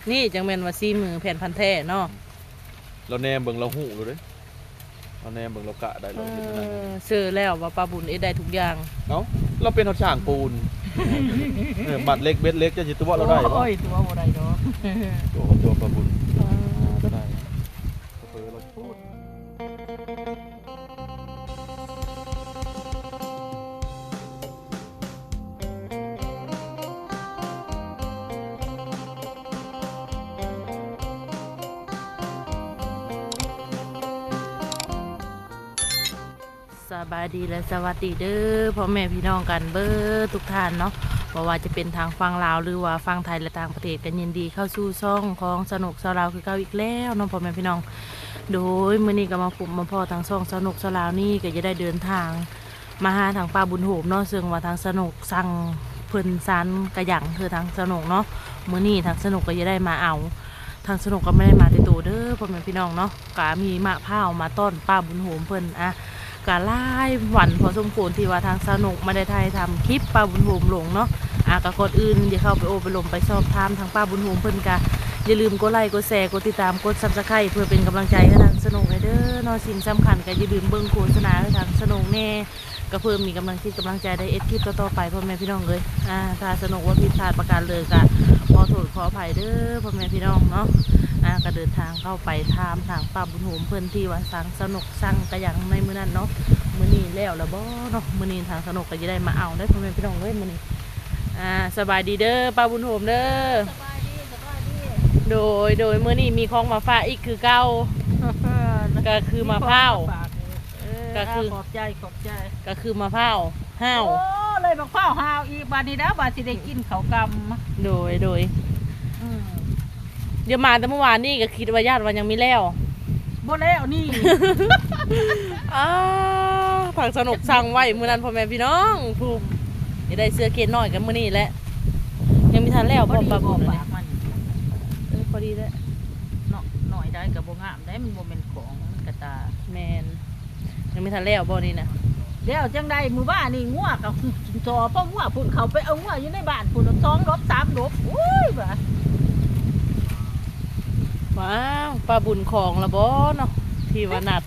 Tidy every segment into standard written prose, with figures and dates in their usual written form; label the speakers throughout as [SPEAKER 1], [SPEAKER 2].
[SPEAKER 1] นี่จังแม่นว่าซีมือแผ่นพันแท้เนาะ
[SPEAKER 2] เราแนมเบิ่งเราหูเลยเราแนมเบิ่งเรากะได้เราเห็นนั่น
[SPEAKER 1] เชื่อแล้วว่าปลาบุญได้ทุกอย่าง
[SPEAKER 2] เนาะเราเป็นช่างปูนบัตรเล็กเบ็ดเล็กจะสิตัวเราได้บ่
[SPEAKER 1] โอ้ยตัวบ่ได้ดอก
[SPEAKER 2] ตัวปลาบุญก็ได้เราพูด
[SPEAKER 1] สบายดีและสวัสดีเด้อพ่อแม่พี่น้องกันเบิดทุกท่านเนาะว่าจะเป็นทางฟังลาวหรือว่าฟังไทยและต่างประเทศกันยินดีเข้าสู่ช่องของสนุกสลาวคือเก่าอีกแล้วเนาะพ่อแม่พี่น้องโดยมื้อนี้ก็มาพบมาพ่อทางช่องสนุกสลาวนี่ก็จะได้เดินทางมาหาทางป้าบุญโหมเนาะซึ่งว่าทางสนุกสั่งเพิ่นซันกระหยังคือทางสนุกเนาะมื้อนี้ทางสนุกก็จะได้มาเอาทางสนุกก็ไม่ได้มาแต่ตัวเด้อพ่อแม่พี่น้องเนาะก็มีมะพร้าวมาต้อนป้าบุญโหมเพิ่นกะไล่หวันพอสมควรที่ว่าทางสนุกมาได้ไทยทำคลิปป้าบุญโฮมลงเนาะกะกดอื่นอย่าเข้าไปโอไปลมไปสอบถามทางป้าบุญโฮมเพิ่นกะอย่าลืมกดไลค์กดแชร์กดติดตามกดซับสไครต์เพื่อเป็นกำลังใจให้ทางสนุกเด้อเนาะสิ่งสำคัญก็อย่าลืมเบิ่งโฆษณาให้ทางสนุกแน่ก็เพิ่มมีกำลังใจได้คลิปต่อไปพ่อแม่พี่น้องเลยถ้าสนุกว่าผิดพลาดประการเลยกะขอโทษขออภัยเด้อพ่อแม่พี่น้องเนาะก็เดินทางเข้าไปทางป้าบุญโฮมเพิ่นที่ว่าสั่งสนุกสั่งกระยังในมื้อนั้นเนาะมื้อนี้แล้วบ่เนาะมื้อนี้ทางสนุกก็จะได้มาเอาได้พ่อแม่พี่น้องเลยมื้อนี้สบายดีเด้อป้าบุญโฮมเด้อสบายดีโดยมื้อนี้มีของมาฝากอีกคือเก่าก็คือมะพร้าวก็คือขอบใจก็คือมะพร้าวห้าว
[SPEAKER 3] โอ้เลยมะพร้าวห้าวอีกบาดนี้นะบาดสิได้กินข้าวกำ
[SPEAKER 1] โดยเดี๋ยวมาแต่เมื่อวานนี่ก็คิดว่าญาติวันยังไม่แล้ว
[SPEAKER 3] บ่แล้วนี่
[SPEAKER 1] ทางสนุกสั่งไว้มื้อนั้นพ่อแม่พี่น้องผู้จะได้เสื้อเกณฑ์น้อยกันมื้อนี้แหละยังมีทันแล้วพอปรับปรุงเลยพอดีแล้ว
[SPEAKER 3] หน่อยได้กับบ่งามได้มันบ่เป็นของกระตา
[SPEAKER 1] แมนยังมีทันแล้วบ่นี่นะ
[SPEAKER 3] แล้วจังได้มื้อบ้านนี่งัวกับจอเพราะงัวพุ่นเขาไปเอางัวอยู่ในบ้านพุ่น2 รบ 3 รบโอ้ยบ่
[SPEAKER 1] ว้าวปลาบุญของละบ่เนาะที่ว่านัด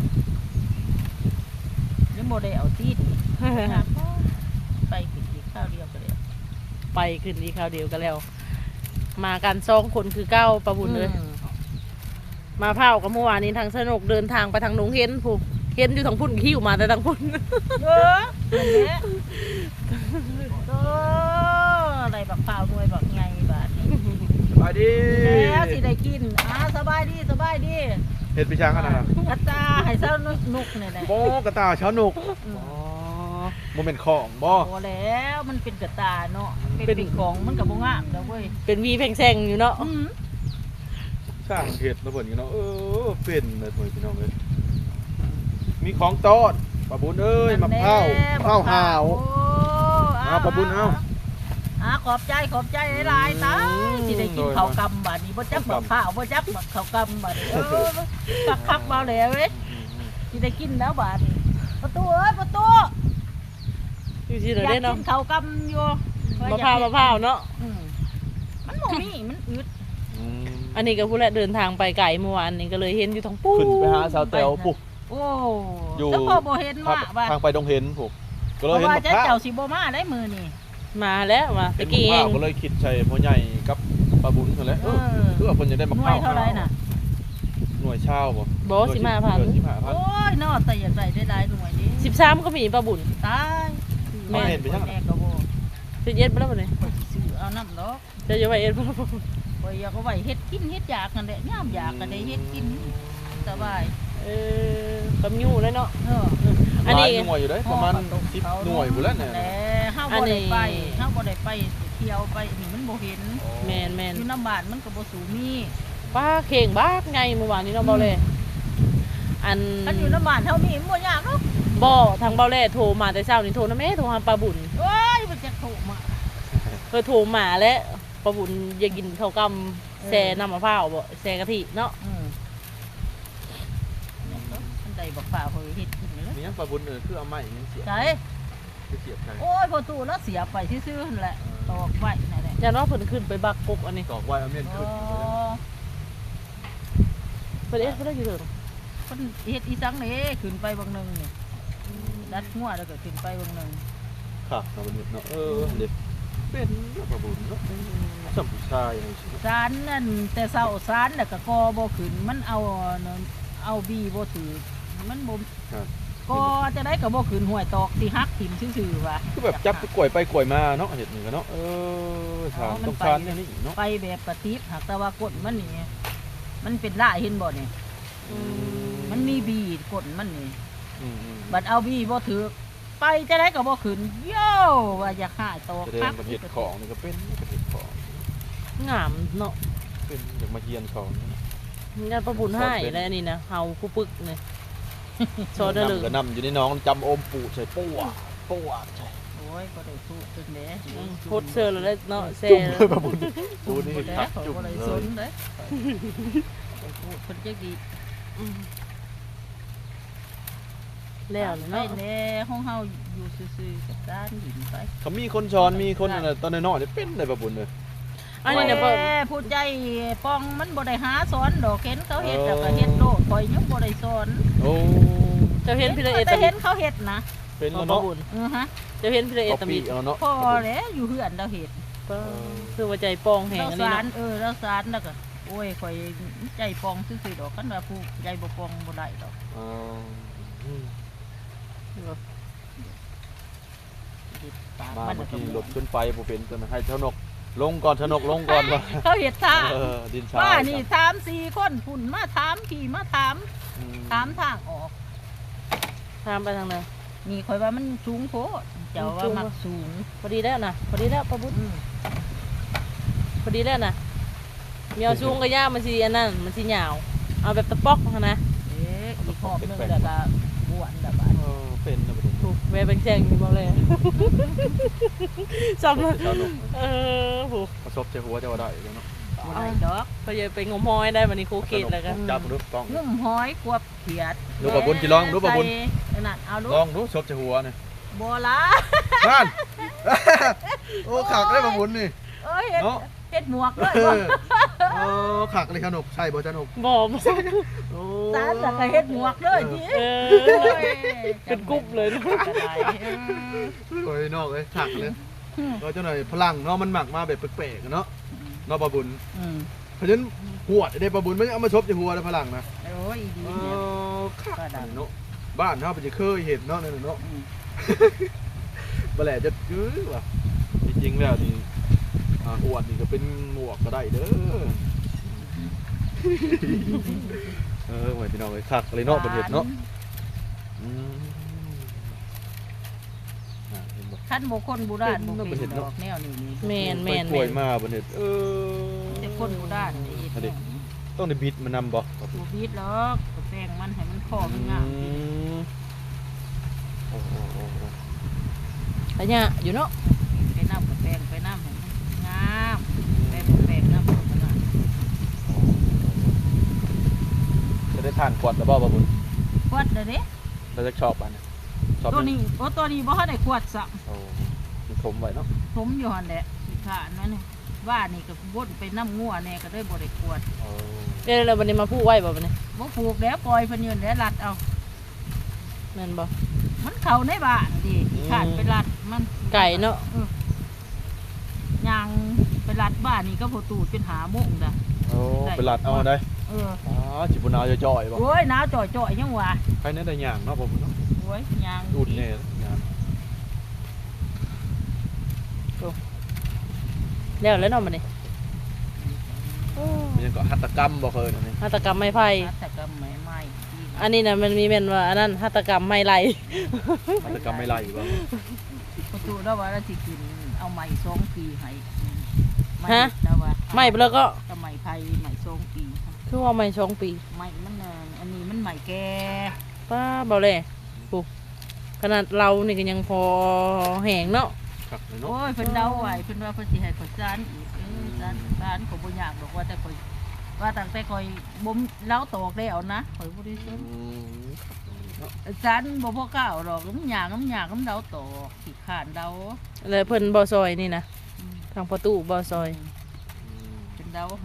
[SPEAKER 3] ยังบ่ได้เอาตีนไปขึ้นอีกข้าวเดียวก็แล้ว
[SPEAKER 1] ไปขึ้นอีกข้าวเดียวก็แล้วมากัน2 คนคือเก้าปลาบุญเลยมาเผากับเมื่อวานนี้ทางสนุกเดินทางไปทางหนองเห็นผูกเห็นอยู่ทางพุ่นขี้อยู่มาแต่ทางพุ่น
[SPEAKER 3] อะไรบักเปล่าด้วยบักไงบาดนี้
[SPEAKER 2] สบายดี
[SPEAKER 3] แล้วสิได้กินสบายดี
[SPEAKER 2] เห็ดปีช้างขนาดนั้น
[SPEAKER 3] กระตาให้เช้านุกเนี่ยแหละ
[SPEAKER 2] โบกระตาเช้านุกโมเมนต์ของบ่
[SPEAKER 3] แล้วมันเป็นกระตาเนาะเป็นของมันกับบ่งามแล้วเว้ย
[SPEAKER 1] เป็นวีแพงแซงอยู่เนาะ
[SPEAKER 2] สร้างเห็ดระเบิดอยู่เนาะเป็นเลยพี่น้องเลยมีของต้อนปลาบุญเอ้ยมะพร้าวหาวปลาบุญเอา
[SPEAKER 3] ขอบใจหลายๆตาที่ได้กินข้าวกำบาดนี้บ่จักมะพร้าวบ่จักข้าวกำบาดนี้คักมาแล้วเว้ยที่ได้กินแล้วบาดนี้ประตู
[SPEAKER 1] อยู่ที่ไหนได้เนาะ
[SPEAKER 3] กินข้าวกำอยู่
[SPEAKER 1] มะพร้าวเนาะ
[SPEAKER 3] มันบ่มีมันอึด
[SPEAKER 1] อันนี้ก็พูดแล้วเดินทางไปไกลเมื่อวานนี้ก็เลยเห็นอยู่ทางปุ๊บ
[SPEAKER 2] ขึ้นไปหาสาวเต๋อปุ๊บ
[SPEAKER 3] โอ้อยู่ก็บ่เห็นมา
[SPEAKER 2] ว่าทางไปดงเห็นปุ๊บ
[SPEAKER 3] ก็เลยเห็นว่าเจ้าสิบ่มาได้มื้อนี้
[SPEAKER 1] มาแล้วมาตะกี้เอง
[SPEAKER 2] ก็เลยคิดใช่พ่อใหญ่กับปลาบุญนั่นแหละเพื่อคนจะได้มะพร้าว
[SPEAKER 3] เท่าไรน่ะ
[SPEAKER 2] หน่วยเช่าบ่
[SPEAKER 1] 15,000
[SPEAKER 3] โอ้ยนอแต่อยากได้หลายหน่วยนี้
[SPEAKER 1] 13ก็มีปลาบุญ
[SPEAKER 3] ตาย
[SPEAKER 2] แม่เห็นไปยัง
[SPEAKER 3] แม่ก็บ่
[SPEAKER 1] จะเย็ดไปแล้วบ่นี่
[SPEAKER 3] ซื้อเอาน้ำดอก
[SPEAKER 1] จะไว้เอ็ดบ่ล่ะ
[SPEAKER 3] บ่อยากเอาไว้เฮ็ดกินเฮ็ดอยากกันแหละยามอยากก็ได้เฮ็ดกินสบาย
[SPEAKER 1] กำยู่เลยเนาะ
[SPEAKER 2] อันนี้หน่วยอยู่ได้ประมาณ10 หน่วยพุ่นแล้วเนี่ย
[SPEAKER 3] เฮาบ่ได้ไปเที่ยวไปนี่มันบ่เห็น
[SPEAKER 1] แม่น
[SPEAKER 3] อยู่น้ำบ้านมันก็บ่สูมี
[SPEAKER 1] ป้าเข่งบ้าไงเมื่อวานนี้เนาะเบาเล่
[SPEAKER 3] อันอยู่น้ำบ้านเฮามีบ่ยากเนาะ
[SPEAKER 1] บ่ทางเบาเล่โทรมาแต่เช้านี่โทรนะแม่โทรหาปลาบุญ
[SPEAKER 3] โอ้ยมันจะโทรมา
[SPEAKER 1] โทรมาแล้วปลาบุญอยากกินข้าวกำแซ่น้ำมะพร้าวบ่แซ่กะทิเนาะ
[SPEAKER 3] ได้บักฝ่าเฮยเฮ็ดกินแล้ว
[SPEAKER 2] มียังปลาบุญคือเอาไม้ยังเสียบ
[SPEAKER 3] ใช่
[SPEAKER 2] เสียบใช่
[SPEAKER 3] โอ้ยพอตู้แล้วเสียบไปซื่อๆนั่นแหละตอกไว้นั่นแหละ
[SPEAKER 1] อย่าน้องเพิ่นขึ้นไปบักกกอันนี้
[SPEAKER 2] ตอกไว้เอาเมียนขึ้น
[SPEAKER 1] เพิ่นเอ็ดเพิ่นได้อยู่เถิง
[SPEAKER 3] คนเฮ็ดอีสังนี่ขึ้นไปบางหนึงนี่ดัดหัวแล้วก็ขึ้นไปบางหนึง
[SPEAKER 2] ครับเอาเป็นเนาะเด็กเป็นประบุญเนาะสัมผู้ชายอย่างนี้
[SPEAKER 3] สารนั่นแต่เช้าสารแล้วก็กอบ่ขึ้นมันเอาบีบ่ถือมันบ่
[SPEAKER 2] ครับ
[SPEAKER 3] ก็จะได้ก็บ่ขึ้นห้วยตอกที่ฮักถิ่มซื่อๆว่ะ
[SPEAKER 2] คือแบบจับไปกล้วยไปกล้วยมาเนาะเห็ดนี่กันเนาะสารต้องสารอย่างนี้เนาะ
[SPEAKER 3] ไปแบบปฏิบหากแต่ว่ากดมันนี่มันเป็นลายเห็นบ่นี่มันมีบีกดมันนี่บัดเอาบีบ่ถือไปจะได้ก็บ่ขึ้นโย่ว่าอยากหาตอก
[SPEAKER 2] แสดงประเภทของนี่ก็เป็นประเภทของ
[SPEAKER 1] งามเนาะ
[SPEAKER 2] เป็นอยากมาเฮียนของ
[SPEAKER 1] งานประบุญให้แล้วอันนี้นะเฮาคู่ปึกนี่โซเดอร์
[SPEAKER 2] นำก็นำอยู่ในน้องจำอมปูใส่ปูอ่ะใช่
[SPEAKER 3] โอ้ยก็ได้สู้ตึงเด้
[SPEAKER 1] โคตรเซอร์แล้วเนาะแซ่
[SPEAKER 2] จุ่มเลยประบุญปูนี่
[SPEAKER 3] แล้
[SPEAKER 2] คั
[SPEAKER 3] ว
[SPEAKER 2] ก
[SPEAKER 3] เขา
[SPEAKER 2] จุ่ม
[SPEAKER 3] ก็ได้
[SPEAKER 2] เล
[SPEAKER 3] ส
[SPEAKER 2] ย
[SPEAKER 3] นเด้เพิ่นจักดี
[SPEAKER 1] แล้ว
[SPEAKER 3] ไป
[SPEAKER 1] เนาะ
[SPEAKER 3] แน่ห้องเฮาอยู่ซื่อๆกับด้านหินไป
[SPEAKER 2] เขามีคนช้อนมีคนอะไรตอนน้อยๆเป็นเลยประบุญเลย
[SPEAKER 1] อันนี้เนี่ยเพิ่น
[SPEAKER 3] ผู้ใจป้องมันบ่ได้หาสอนดอกเห็นเขาเฮ็ดแล้วก็เฮ็ดโลดข่อยยังบ่ได้สอน
[SPEAKER 2] โอ้
[SPEAKER 1] เจ้าเห็นพี่ละเอ
[SPEAKER 3] แต่
[SPEAKER 1] ตะ
[SPEAKER 3] เห็นเขาเฮ็ดนะ
[SPEAKER 2] เป็นแล้ว
[SPEAKER 1] ประ
[SPEAKER 2] เนาะ
[SPEAKER 1] บุญ
[SPEAKER 3] ฮะ
[SPEAKER 1] เจ้าเห็นพี่ละเอ
[SPEAKER 2] เอา
[SPEAKER 1] ตะ
[SPEAKER 2] ปี
[SPEAKER 1] มี
[SPEAKER 2] เอาเนาะ
[SPEAKER 3] พอแล้วอยู่เฮือนเราเฮ็ด
[SPEAKER 1] คือว่าใจปองแหง
[SPEAKER 3] เรา
[SPEAKER 1] อันนี้
[SPEAKER 3] สาร
[SPEAKER 1] เนาะ
[SPEAKER 3] เราสารแล้วก็โอ้ยข่อยใจปองซื่อๆดอกคันว่าผู้ใจบ่ปองบ่ได้ดอกปาก
[SPEAKER 2] มา
[SPEAKER 3] มัน
[SPEAKER 2] เมื่อ
[SPEAKER 3] ก็
[SPEAKER 2] กี้
[SPEAKER 3] บ่
[SPEAKER 2] หลบขึ้นไปบ่เป็นตัวให้เท่านกลงก่อนเท่านกลงก่อนว่า
[SPEAKER 3] เขาเฮ็ดท่า
[SPEAKER 2] ดินชา
[SPEAKER 3] ว่านี่3-4คนพุ่นมาถามพี่มาถามทางออก
[SPEAKER 1] ตามไปทางไหน
[SPEAKER 3] นี่ข่อยว่ามันสูงโพดเจ้าว่ามักสูง
[SPEAKER 1] พอดีแล้วนะพอดีแล้วประบุญพอดีแล้วนะมีเอาซูงกับย่ามันสิอันนั้นมันสิหยาวเอาแบบตะปอกมานะ
[SPEAKER 3] อีกรอบหนึงแล้วก็บ้วนแล้วบาด
[SPEAKER 2] เป็นนะประบุญ
[SPEAKER 1] ถูกแม่เป็นแซงมีบ่เลยจำเลย
[SPEAKER 2] เท่านก
[SPEAKER 1] โห
[SPEAKER 2] ประสบใจหัวจะว่าได้เนาะ
[SPEAKER 3] บ่ได้ดอก
[SPEAKER 1] เขาจะไปงมหอยได้วันนี้ครูเกตแล้วกัน
[SPEAKER 2] จับดูกล้อง
[SPEAKER 3] งุ่มหอยกวบเขียด
[SPEAKER 2] ดูประบุญจิลองดูประบุญ
[SPEAKER 3] ใส่นั่นเอาดู
[SPEAKER 2] ลองดูซบใจหัวนี่
[SPEAKER 3] บ่ละ
[SPEAKER 2] นั่นโอ้ขักได้ประบุญนี่
[SPEAKER 3] เอ้ยเฮ็ด
[SPEAKER 2] เนาะ
[SPEAKER 3] เฮ็ดหมวกเลย
[SPEAKER 2] โอ้ขักเลยขนกใช่บ่จ้านก
[SPEAKER 1] บอก
[SPEAKER 2] โอ้
[SPEAKER 3] สารแล้วก็เฮ็ดหมวกเลยที
[SPEAKER 1] เป็นกรุ๊ปเลยนะ
[SPEAKER 3] ก็ได้
[SPEAKER 2] โอ้ยนอกเลยขักเลยก็เจ้าหน่อยพลังเนาะมันหมักมาแบบแปลกๆเนาะเนาะประบุญ
[SPEAKER 3] อืม
[SPEAKER 2] เพราะฉะนั้นหัวได้ประบุญไม่เอามาชบใจหัวได้พลังนะ
[SPEAKER 3] โอ้ยดี
[SPEAKER 2] เอ
[SPEAKER 3] เนี่ย
[SPEAKER 2] อขักเนาะบ้านเฮาเป็นจะเคยเห็นเนาะนั่นน่ะเนาะ
[SPEAKER 3] อืม
[SPEAKER 2] บ่แหละจะยื้อว่ะจริงๆแล้วนี่อวดนี่ก็เป็นหมวกก็ได้เด้อโอ้ยพี่น้องเอ้ยคักเลยเนาะประเทศเนาะเห็นบ่
[SPEAKER 3] คันบ่คนโบราณบ่
[SPEAKER 2] เป็
[SPEAKER 3] เป็น น
[SPEAKER 2] เนาะ
[SPEAKER 3] ดอกแนวนี้นี่
[SPEAKER 1] แมนแมน
[SPEAKER 2] ไปกล้วยมาประเทศ
[SPEAKER 3] แต่คนโบราณนี่
[SPEAKER 2] อันนี้ต้องได้บิดมานำบ่
[SPEAKER 3] บ่บีดหรอกก็แป้งมันให้มันคอมันงามสิ
[SPEAKER 2] โอ้โห
[SPEAKER 1] แต่เนี่ยอยู่เนาะ
[SPEAKER 3] ไปน้ำกับแป้งไปน้ำให้มันงามแป้งกับแป้งน้ำมันงาม
[SPEAKER 2] จะได้ทานกวดแล้วบ่ประบุญ
[SPEAKER 3] ขวดเด้อเด้
[SPEAKER 2] เราจะชอบอันนี้ชอบ
[SPEAKER 3] ตัวนี้โอ้ตัวนี้บ่ทันได้ขวดซะ
[SPEAKER 2] โอ้มันขมไว้เนาะ
[SPEAKER 3] ผมอยู่หั่นแหละสิขานนั่นนี่ว่านี่ก็วนไปน้ำงัวแน่ก็ได้บ่ได้ขวด
[SPEAKER 1] เดี๋ยวเราวันนี้มาพูดไว้บ่วันนี้
[SPEAKER 3] บ่ผูกแล้วปล่อยเพิ่นยืนแล้วรัดเอา
[SPEAKER 1] แม่นบ่
[SPEAKER 3] มันเข้าในบ้านดิขานไปรัดมัน
[SPEAKER 1] ไก่เนาะ
[SPEAKER 3] ย่างไปรัดบ้านนี่ก็พอตูดเป็นหาโมงดะ
[SPEAKER 2] โอ้ไปลัดเอาได้
[SPEAKER 3] เออ
[SPEAKER 2] อ๋อจิบุนาวจะจ่อยบ่
[SPEAKER 3] โอ้ยหนาวจ่อยๆยังวะ
[SPEAKER 2] ใครเนี่ยได้ย่างเนาะผมเนาะ
[SPEAKER 3] โอ้ยย่าง
[SPEAKER 2] อุ่นเนี่ยย่าง
[SPEAKER 1] แล้วแล้วเนาะวันนี้
[SPEAKER 2] มันยังก็หัตถกรรมบ่เคยอันนี้
[SPEAKER 1] หัตถกรรมไม้ไผ่
[SPEAKER 3] แต่ก็ไม่ไหม้
[SPEAKER 1] อันนี้นะมันมีแม่นว่าอันนั้นหัตถกรรมไม้ไหล
[SPEAKER 2] หัตถกรรมไม่ไล่บ่
[SPEAKER 3] พอตูแล้วว่าเราสิกินเอาไม้2 ปีให้
[SPEAKER 1] ฮะ
[SPEAKER 3] แล้วว่า
[SPEAKER 1] ไม้ไปแล้วก็
[SPEAKER 3] ก็ไม้ไผ่ไม้2 ปี
[SPEAKER 1] คือว่าไม้2 ปี
[SPEAKER 3] ไม้มันอันนี้มันไม้แก่
[SPEAKER 1] ป้าเบาเลยปุ๊ขนาดเรานี่ก็ยังพอแหงเนาะ
[SPEAKER 2] ครับเลยเนาะ
[SPEAKER 3] โอ้ยเพิ่นเดาไว้เพิ่นว่าเพิ่นสิให้ข่อยซานอีกซานก็บ่ยากดอกว่าแต่ข่อยว่าตั้งแต่ข่อยบ่เล้าตอกแล้วนะข่อยบ่ได้สน ซานบ่พอก้าวดอกมันยากมันเดาตอกขี้ข้านเดา
[SPEAKER 1] แล้วเพิ่นบ่ซอยนี่นะ
[SPEAKER 3] อืม
[SPEAKER 1] ทางประตูบ่ซอย
[SPEAKER 3] เป็นเดาให้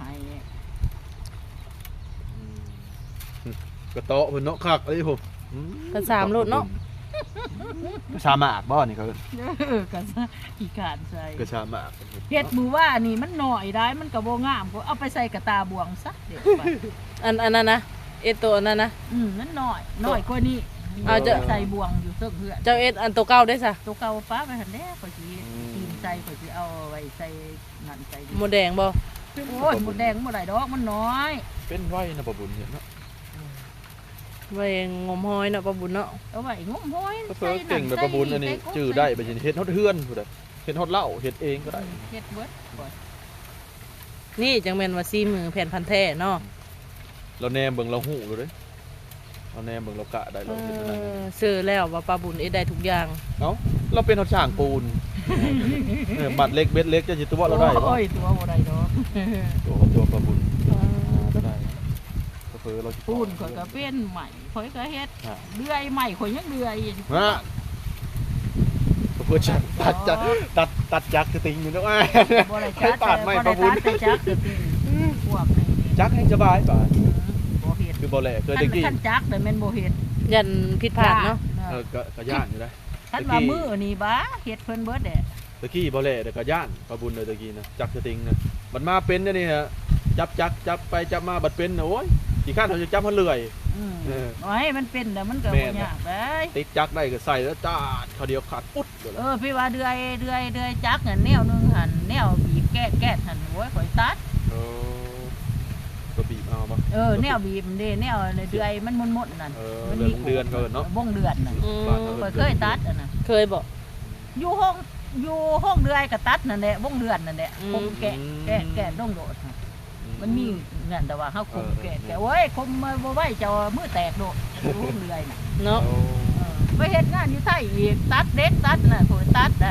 [SPEAKER 2] กระโต๊ะเพิ่นเนาะคักเอ้ยผม
[SPEAKER 1] ก็3โลดเนาะ
[SPEAKER 2] กระชาหมากบ่นี่เขา
[SPEAKER 3] ก็อีกานใส่
[SPEAKER 2] กระชาหมาก
[SPEAKER 3] เฮ็ดมือว่านี่มันหน่อยได้มันก็บ่งามก็เอาไปใส่กระตาบวงซะเดี๋ยวไป
[SPEAKER 1] อันนั้นนะเอ็ดตัวนั้นนะ
[SPEAKER 3] มันหน่อยกว่านี้
[SPEAKER 1] เอาจะ
[SPEAKER 3] ใส่บวงอยู่เสื้อเพื่อน
[SPEAKER 1] เจ้าเอ็ดอันตัวเก่าได้ซะ
[SPEAKER 3] ตัวเก่าป้าไปหันแน่ข่อยสิตีนใจข่อยสิเอาไว้ใส่นั่นใส่
[SPEAKER 1] หมดแดงบ่
[SPEAKER 3] โอ้ยหมดแดงบ่ได้ดอกมันน้อย
[SPEAKER 2] เป็นไว้นะปะบุญเนาะ
[SPEAKER 1] ไว้งมหอยเนาะปะบุญเนาะ
[SPEAKER 3] เอาไว้งมห้อย
[SPEAKER 2] ก็เพิ่นเก่งแบบปะบุญอันนี้จื้อได้ไปสิเฮ็ดฮอดเฮือนพุ่นน่ะเฮ็ดฮอดเหล้าเฮ็ดเองก็ได้
[SPEAKER 3] เฮ็ดเบิดบ่
[SPEAKER 1] นี่จังแม่นว่าซีมือแผ่นพันธุ์แท้เนาะ
[SPEAKER 2] เราแนมเบิ่งเราหู้เลยเราแนมเบิ่งเรากะได้เราเฮ็ดได้
[SPEAKER 1] ซื้อแล้วว่าปะบุญเอ็ดได้ทุกอย่าง
[SPEAKER 2] เอ้าเราเป็นฮอดช่างปูนบัตรเล็กเบ็ดเล็กจะสิตัวเราได้บ่
[SPEAKER 3] โอ้ยตัวบ่ได้ดอก
[SPEAKER 2] ตัวปะบุญก็ได้ก็เพิ่นเรา
[SPEAKER 3] ปูนข่อยก็เป็นใหม่ข่อยก็เฮ็ดเดือยใหม่ข่อยยังเดือย
[SPEAKER 2] ฮะเพื่อจักตัดจักรติงอยู่นะว่า
[SPEAKER 3] บ่ได้
[SPEAKER 2] ให้
[SPEAKER 3] จัด
[SPEAKER 2] ปาดไม่ประบุญ
[SPEAKER 3] แต่จักคือพวกนี้
[SPEAKER 2] จักรให้สบายป่ะ
[SPEAKER 3] บ่เฮ็ด
[SPEAKER 2] คือบ่แหล่เคยตะกี้
[SPEAKER 3] คันจักแต่แม่นบ่เฮ็ด
[SPEAKER 1] ยันผิดพลาดเนาะ
[SPEAKER 2] ก็ย่านอยู่ได้
[SPEAKER 3] คันว่ามือนี่บ้าเฮ็ดเพิ่นเบิดแหละ
[SPEAKER 2] ตะกี้บ่แหล่แต่ก็ย่านประบุญเลยตะกี้นะจักรติงนะมันมาเป็นนี่ฮะจับไปจับมาบัดเป็นนะโอ้ยกี่ขั้นเขาจะจับมันเลื่อย
[SPEAKER 3] โอ้ยมันเป็นแล้วมันก็บ่ยากเด้ย
[SPEAKER 2] ติดจักรได้ก็ใส่แล้วจาดเขาเดียวขาดปุ๊ดเลย
[SPEAKER 3] พี่ว่าเดือยจักนั่นแนวนึงหั่นแนวบีบแก้หั่นโอ้ยข่อยตัด
[SPEAKER 2] ก็บีบเอาป่ะ
[SPEAKER 3] แนวบีบมันเด้แนวเดือยมันมนๆนั่น
[SPEAKER 2] เดือนก็เนาะ
[SPEAKER 3] วงเดือนน่ะข่อยเคยตัดอันน่ะ
[SPEAKER 1] เคยบ่
[SPEAKER 3] อยู่ห้องเดือยก็ตัดนั่นแหละวงเดือนนั่นแหละคมแกะต้องโดดมันมีนั่นแต่ว่าเฮาคมแกะโอ้ยคมบ่ไหวจะมือแตกโดดวงเดือยน่ะ
[SPEAKER 1] เนาะ
[SPEAKER 3] ไปเฮ็ดงานอยู่ไทยอีกตัดเด็กตัดน่ะข่อยตัดน่ะ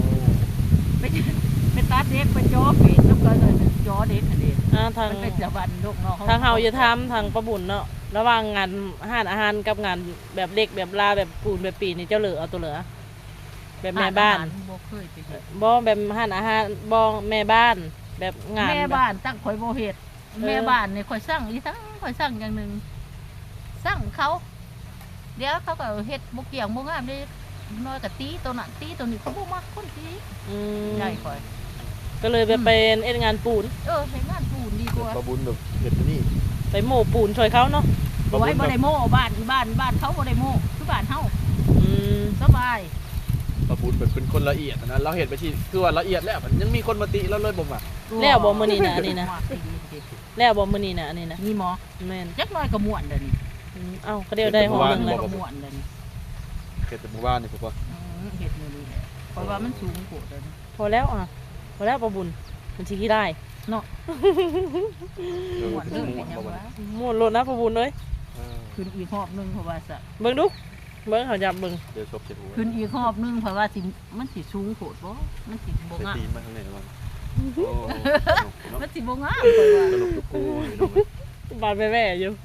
[SPEAKER 3] ไปตัดเด็กไปจ่อเป็ดแล้วก็จ่อเด็กนั่นเอง
[SPEAKER 1] ทาง
[SPEAKER 3] มันเป็นจะวันลูกน้อง
[SPEAKER 1] ทางเฮาจะทำทางประบุญเนาะระหว่างงานอาหารกับงานแบบเล็กแบบลาแบบปูนแบบปีนี่เจ้าเหลือเอาตัวเหลือแบบแม่บ้าน
[SPEAKER 3] บ่เคยไปเฮ็ด
[SPEAKER 1] บ่แบบอาหารบ่แม่บ้านแบบงาน
[SPEAKER 3] แม่บ้านตั้งข่อยบ่เฮ็ดแม่บ้านนี่ข่อยสั่งอีทั้งข่อยสั่งอย่างนึงสั่งเขาเดี๋ยวเขาก็เฮ็ดบ่เกี่ยงบ่งามเด้น้อยก็ตีตัวนั้นตีตัวนี้เขาบ่มักคนตีใหญ่ข่อย
[SPEAKER 1] ก็เลยไปเป็นเอ็ดงานปูน
[SPEAKER 3] เฮ็ดงานปูนดีกว่า
[SPEAKER 2] ประบุญแบบเห็ดนี่
[SPEAKER 1] ไปโม่ปูนช่วยเขาเนาะ
[SPEAKER 3] บ่ไว้บ่ได้โม้บ้านเขาบ่ได้โม้คือบ้านเฮาสบาย
[SPEAKER 2] ประบุญเป็นคนละเอียดนะเราเห็นไปที่คือว่าละเอียดแล้วมันยังมีคนมาติแล้วเลยบ่มา
[SPEAKER 1] แล้วบ่มื้อนี้นะอันนี้นะแล้วบ่มื้อนี้นะอันนี้นะ
[SPEAKER 3] มีหมอ
[SPEAKER 1] แม่น
[SPEAKER 3] จักหน่อยก็ม่วนเด้อนี่
[SPEAKER 1] เอ้าก็เดียวได้ห้องนึง
[SPEAKER 3] เล
[SPEAKER 1] เลย ย
[SPEAKER 3] ก็ม่วนเด้อนี่
[SPEAKER 2] เห็ดแต่หมู่บ้านนี่พ่อ
[SPEAKER 3] เฮ็ดมื้อนี้แหละเพราะว่ามันสูงโพดเด้อ
[SPEAKER 1] พอแล้วประบุญมันสิขี้ได้
[SPEAKER 3] เนาะ
[SPEAKER 2] ม่ว
[SPEAKER 3] ม่วน
[SPEAKER 2] น
[SPEAKER 3] เด้อ
[SPEAKER 2] ม่
[SPEAKER 3] เป็
[SPEAKER 2] วน น
[SPEAKER 3] หยังวะ
[SPEAKER 1] ม่วนโลดนะประบุญเอ้ย
[SPEAKER 3] ขึ้นอีกรอบนึงเพราะว่าซะ
[SPEAKER 1] เบิ่งดูเบิ่งเขาจับเบิ่ง
[SPEAKER 2] เดี๋ยวชบเจ็ดหัว
[SPEAKER 3] ขึ้นอีกรอบนึงเพราะว่าสิมันสิสูงโพดบ่มันสิบ่
[SPEAKER 2] ใส่
[SPEAKER 3] งาม
[SPEAKER 2] ตีนมาข้างในบ้าง
[SPEAKER 3] มันสิบ่งามเพราะว่า
[SPEAKER 2] ตลกทุกคู่
[SPEAKER 1] บาดแว่ๆอยู่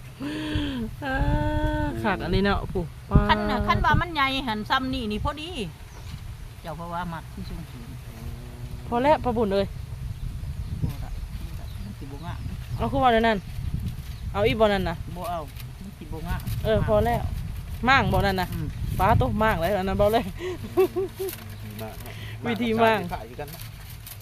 [SPEAKER 1] ขาดอันนี้เนาะปู่
[SPEAKER 3] คันว่ามันใหญ่หันซ้ำนี่พอดีเจ้าเพราะว่ามักที่สูง
[SPEAKER 1] พอแล้วประบุญเอ้ย
[SPEAKER 3] บ่ละมันสิบ่งาม
[SPEAKER 1] เอาคือว่าเดี๋ยวนั้นเอาอีบ่นั่นน่ะ
[SPEAKER 3] บ่เอามันสิบ่งาม
[SPEAKER 1] พอแล้วมั่างบ่นั่นน่ะป้าโตมั่างเลยอันนั้นเบาเลย วิธีว่าง
[SPEAKER 2] ขายกันนะ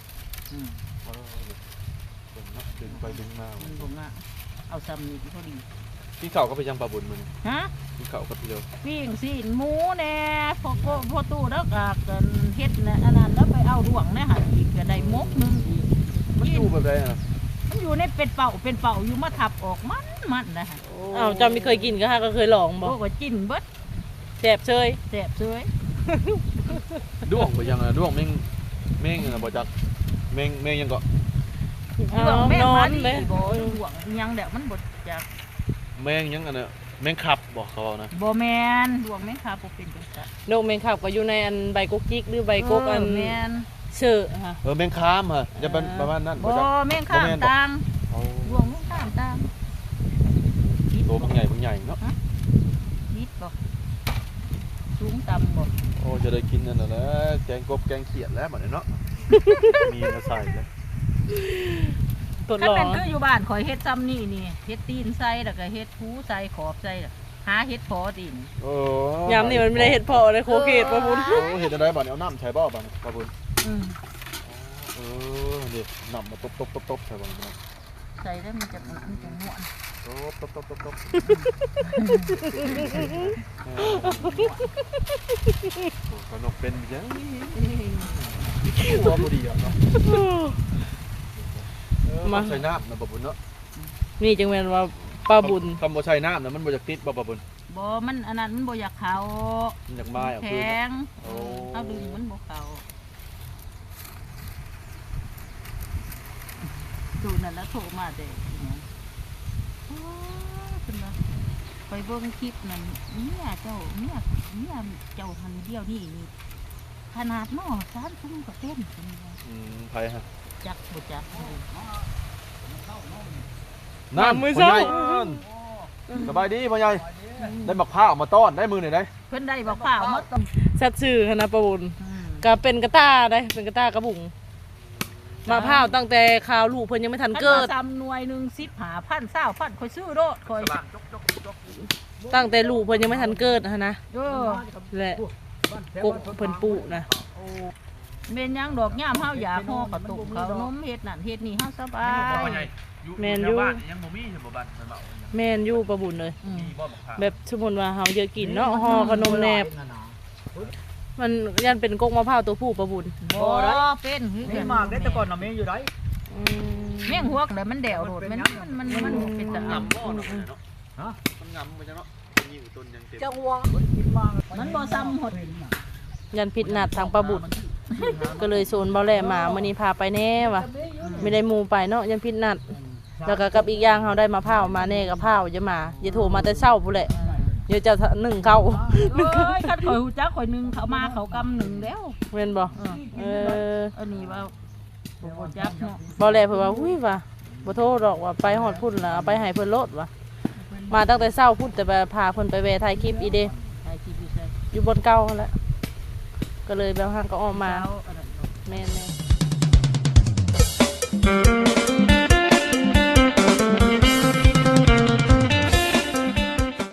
[SPEAKER 2] ดึงไปดึงมา
[SPEAKER 3] มันบ่งามเอาซ้ำนี่พอดี
[SPEAKER 2] พี่เขาก็ไปยังปลาบุญมัน
[SPEAKER 3] ฮะ
[SPEAKER 2] พี่เขาก็เดียว
[SPEAKER 3] ปิ้งซีนหมูแน่พอตู้แล้วก็กันเฮ็ดนะอันนั้นแล้วไปเอาดวงแน่หันอีกก็ได้มกนึงอีก
[SPEAKER 2] มันอยู่แบบไรอ่ะ
[SPEAKER 3] มันอยู่ในเป็นเป่าอยู่มาทับออกมันนะฮะ
[SPEAKER 1] อ้าวจำไม่เคยกินก็ฮะก็เคยลองบ่
[SPEAKER 3] โอ้ก็จิ้นเบิด
[SPEAKER 1] แซ่บเชย
[SPEAKER 3] แซ่บเสย
[SPEAKER 2] ด้วงไปยังอ่ะด้วงแม่งอ่ะบ่จักแม่งยังก็
[SPEAKER 3] ดวงแม่
[SPEAKER 1] นอ
[SPEAKER 3] มาน นี่
[SPEAKER 1] เลย
[SPEAKER 3] บ่ดวงยังแดกมันบ่จัก
[SPEAKER 2] แม่งยังอันน่ะแม่งขับบอกเขานะ
[SPEAKER 3] บ่แม่นดวงแม่ค่ะบ่เป็นจังซั่น
[SPEAKER 1] นกแมงขับก็อยู่ในอันใบกกจิกหรือใบกกอัน
[SPEAKER 3] แม่น
[SPEAKER 1] เชื่อฮะ
[SPEAKER 2] แม่งค้ามฮะจะเป็นประมาณนั้น
[SPEAKER 3] บ่แม่งข้ามตางดวงแม่งข้ามตาง
[SPEAKER 2] ตัวบางใหญ่เนาะ
[SPEAKER 3] นิดบ่สูงต่ำบ่
[SPEAKER 2] โอ้จะได้กินนั่นแหละแกงกบแกงเขียดแล้วบัดนี้เนาะมีมาใส่เลย
[SPEAKER 1] ตัว
[SPEAKER 3] ถ้า
[SPEAKER 1] หล่อ
[SPEAKER 3] เป็นคืออยู่บ้านข่อยเฮ็ดซ้ำนี่เฮ็ดตีนใส่แล้วก็เฮ็ดหูใส่ขอบใส่แล้วหาเฮ็ดพอตีน
[SPEAKER 2] โอ้
[SPEAKER 1] ยามนี่มันไม่ได้เห็ดพอเลยโคเกตประบุญ
[SPEAKER 2] โอ้เห็ดอะไรบ้านเอาน้ำใส่บ่อบ้านปะบุญ
[SPEAKER 3] อืม
[SPEAKER 2] นี่น้ำมาตบใส่บ้านนะ
[SPEAKER 3] ใส่แล้วมันจะม่วน
[SPEAKER 2] ตบขนมเป็นยังหัวบุดีอ่ะเนาะมาใส่น้ำนะปะบุญเนาะ
[SPEAKER 1] นี่จังแม่นว่าป้าบุญ
[SPEAKER 2] คำว่าใส่น้ำนะมันบ่จะติดบ่ปะบุญ
[SPEAKER 3] บ่มันอันนั้นมันบ่อยากเข้า
[SPEAKER 2] มันอยากมาเอา
[SPEAKER 3] แข
[SPEAKER 2] คืน็
[SPEAKER 3] ง
[SPEAKER 2] โอ้
[SPEAKER 3] เอาดึงมันบ่เข้าดูนั่นแล้วโทรมาเด้โอ้เป็นว่าไปเบิ่งคลิปนั่นเนี่ยเจ้าหันเดียวนี่ขนาดหม้อ3 ทุ่มก็เต้นเป็นว่า
[SPEAKER 2] ไผฮะ
[SPEAKER 3] จักบ่จักเลย
[SPEAKER 2] น้ำมือใส่สบายดีพ่อใหญ่ได้มะพร้าวมาต้อนได้มือหน่อยได้
[SPEAKER 3] เพิ่นได้บ่ข้าวหมดต้อง
[SPEAKER 1] สัตว์ชื่อคณะประบุญก็เป็นกระต้าได้เป็นกระต้ากระบุงมะพร้าวตั้งแต่ข่าวลูกเพิ่นยังไม่ทันเกิด
[SPEAKER 3] ซ้ำหน่วยหนึง10,000 20,000ค่อยซื้อโดดค่อย
[SPEAKER 1] ตั้งแต่ลูกเพิ่นยังไม่ทันเกิดนะ
[SPEAKER 3] เออ
[SPEAKER 1] และกกเพิ่นปุนะ
[SPEAKER 3] เม่นยังดอกย่ามเฮาอยากห่อกระตุกเขานมเฮ็ดนั่นเฮ็ดนี่เฮาสบาย
[SPEAKER 1] แมนยู
[SPEAKER 2] ยังบ่มีเห็นบ่บ้านมันเมา
[SPEAKER 1] แมนยูประบุญเลย
[SPEAKER 3] อืม
[SPEAKER 2] มีบ่มะพร้าว
[SPEAKER 1] แบบสมมุติว่าเฮาเยอะกินเนาะห่อขนมแนบ มันยันเป็นกกมะพร้าวตัวผู้ประบุญ
[SPEAKER 3] บ่เป็นคือ
[SPEAKER 4] มี
[SPEAKER 3] กัน
[SPEAKER 4] มากได้แต่ก่อนน่ะมีอยู่ได้
[SPEAKER 1] อืม
[SPEAKER 3] แม่งหัวกแล้วมันแดวโดดมันเป็นตะ
[SPEAKER 2] งำ
[SPEAKER 3] อำ
[SPEAKER 2] บ่เนาะเนาะ
[SPEAKER 4] ฮะ
[SPEAKER 2] มันงำไปจังเนาะมีอยู่ต้นยังเต็ม
[SPEAKER 4] จังหวะกินมาก
[SPEAKER 3] มันบ่ซ้ำหด
[SPEAKER 1] ยันผิดนัดทางประบุญก็เลยโซนเบาแหล่มามื้อนี้พาไปแน่ว่ะไม่ได้หมู่ไปเนาะยันผิดนัด แล้วก็กับอีกอย่างเฮาได้มะพร้าวมาแน่กับพร้าวจะมาอย่าโทรมาแต่เช้าพุ่นแหละเดี๋ยวจะนึ่งเข้า
[SPEAKER 3] เอ้ยคันข่อยฮู้จักข่อยหนึงเขามาเขากำหนึ่งแล้ว
[SPEAKER 1] แม่นบ่
[SPEAKER 3] เออ
[SPEAKER 1] เออ
[SPEAKER 3] อันนี้ว่าบ่จักเนาะ
[SPEAKER 1] เบาแหล่เพิ่นว่าอุ้ยว่ะบ่โทรดอกว่าไปฮอดพุ่นล่ะเอาไปให้เพิ่นโลดว่ะมาตั้งแต่เช้าพุ่นแต่ว่าพาเพิ่นไปแวะถ่ายคลิปอีเด้
[SPEAKER 3] ใช่ที่พี่ใช่
[SPEAKER 1] อยู่บนเก่าหั่นแหละก็เลยแบบห่างก็ออกมา
[SPEAKER 3] เช้าอันนั้น
[SPEAKER 1] แม่นๆ